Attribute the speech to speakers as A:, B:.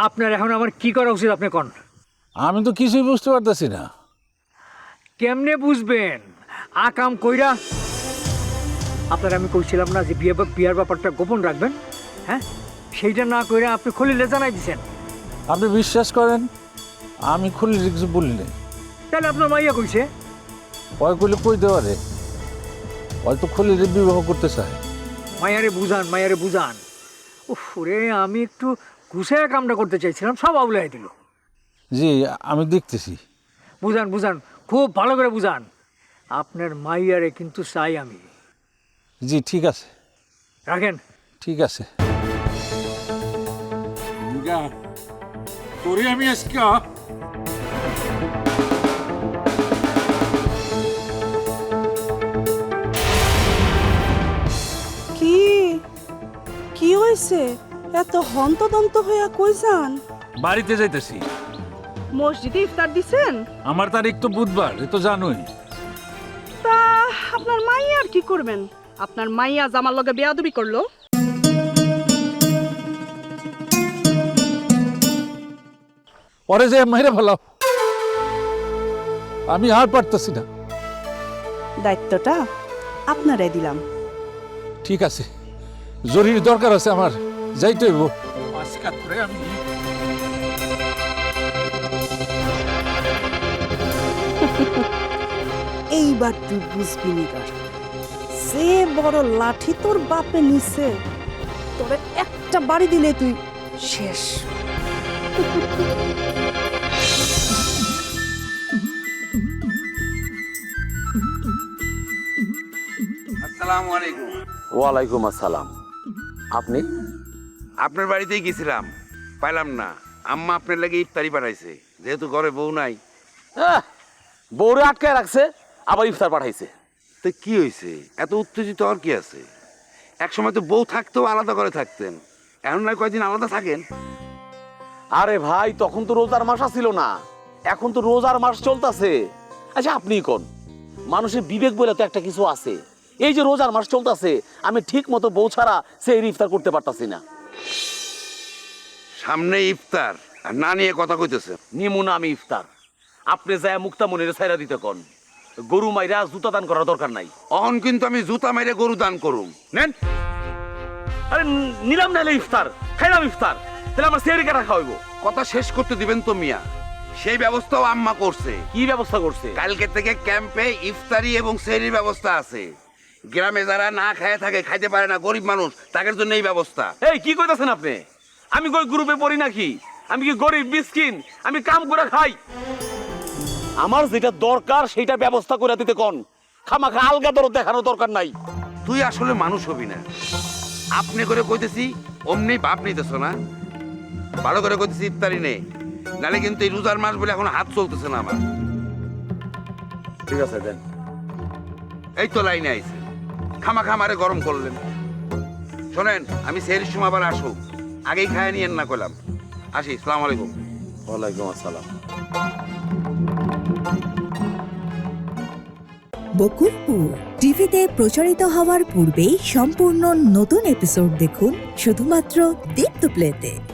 A: আপনার এখন আমার কি করা উচিত আপনি কোন?
B: আমি তো কিছুই বুঝতে পারতেছি না।
A: কেমনে বুঝবেন? আকাম কইরা আপনার আমি কইছিলাম না যে বিয়ার ব্যাপারটা গোপন রাখবেন, হ্যাঁ? সেইটা না কইরা আপনি খলিলে জানাই দিছেন।
B: আপনি বিশ্বাস করেন আমি খুলির কিছু বলি নাই।
A: তাহলে আপনার মাইয়া কইছে?
B: ওই কইলে কই দেওয়া রে, হয়তো খুলির বিবাহ করতে চায়।
A: মায়ারে বুঝান। উফ রে, আমি একটু ঘুষায় কামটা করতে চাইছিলাম, সব আউলাই দিল।
B: জি আমি দেখতেছি।
A: বুঝান, খুব ভালো করে বুঝান। আপনার মাইয়ারে কিন্তু চাই আমি।
B: জি ঠিক আছে।
A: রাখেন।
B: ঠিক আছে।
C: তোরে আমি আজকে
D: কি কি হয়েছে? এত হন্তদন্ত হইয়া কই যান?
B: বাড়িতে যাইতেছি।
D: মসজিদে ইফতার দিছেন?
B: আমার তারিখ তো বুধবার, এ তো জানোই।
D: তা আপনার মাইয়া আর কি করবেন? আপনার মাইয়া জামার লগে বেয়াদবি করলো।
B: পরে যে মেরে ফেলাও, আমি আর পারতেছি না।
D: দায়িত্বটা আপনারাই দিলাম।
B: ঠিক আছে, জরুরি দরকার আছে আমার, যাইতে হইব। আজকে করে আমি
D: এইবার তুই বুঝবি নিগার, সে বড় লাঠি তোর বাপে নিছে, তোরে একটা বাড়ি দিলে তুই শেষ।
E: আসসালামু আলাইকুম।
F: ওয়ালাইকুম আসসালাম। আপনি?
E: আপনার বাড়িতেই গেছিলাম, পাইলাম না। আম্মা আপনার লাগে ইফতারি পাঠাইছে, যেহেতু ঘরে বউ নাই।
F: বউরে আটকায় রাখছে, আবার ইফতার পাঠাইছে।
E: তো কি হয়েছে? এত উত্তেজিত আর কি আছে? এক সময় তো বউ থাকতেও আলাদা করে থাকতেন, এখন নয় কয়দিন আলাদা থাকেন।
F: আরে ভাই, তখন তো রোজার মাস ছিল না, এখন তো রোজার মাস চলতেছে। আচ্ছা আপনিই কোন, মানুষের বিবেক বলে তো একটা কিছু আছে। এই যে রোজার মাস চলতেছে, আমি ঠিক মতো বউ ছাড়া সেই ইফতার করতে পারতাছি না।
E: সামনে ইফতার আর না নিয়ে কথা কইতেছে।
F: নিমুনা আমি ইফতার, আপনি যায় মুক্তা মনিরে ছাইরা দিতে কোন। গরু মাইরা জুতা দান করার দরকার নাই।
E: অহন কিন্তু আমি জুতা মেরে গরু দান করুম, নেন।
F: আরে নিলাম নাইলে ইফতার, খাইলাম ইফতার, তাহলে আমার সেহরি কাটা খাওয়াইবো।
E: কথা শেষ করতে দিবেন তো মিয়া। সেই ব্যবস্থাও আম্মা করছে।
F: কি ব্যবস্থা করছে?
E: কালকে থেকে ক্যাম্পে ইফতারি এবং সেহরির ব্যবস্থা আছে। গ্রামে যারা না খায় থাকে, খাইতে পারে না, গরিব মানুষ, তাদের জন্য এই ব্যবস্থা।
F: এই কি কইতাছেন আপনি? আমি কই গ্রুপে পড়ি নাকি? আমি কি গরিব মিসকিন? আমি কাম করে খাই। আমার যেটা দরকার সেটা ব্যবস্থা করে দিতে কোন। খামাখা আলগা দরদ দেখানোর দরকার নাই।
E: তুই আসলে মানুষ হবি না। আপনি করে কইতেছি অমনি ভাব নিতেছ না। ভালো করে কইতেছি ইফতারি নে, নালে কিন্তু এই রোজার মাস বলে এখন হাত চলতেছে না আমার।
F: ঠিক আছে দেন।
E: এই তো লাইনে আইছে, খামাখা আমারে গরম করলেন। শোনেন, আমি সেহরির সময় আবার আসো, আগেই খায় নিয়েন না কইলাম। আসি, আসসালামু আলাইকুম।
F: ওয়ালাইকুম আসসালাম।
G: বকুলপুর টিভিতে প্রচারিত হওয়ার পূর্বেই সম্পূর্ণ নতুন এপিসোড দেখুন শুধুমাত্র দীপ্ত প্লেতে।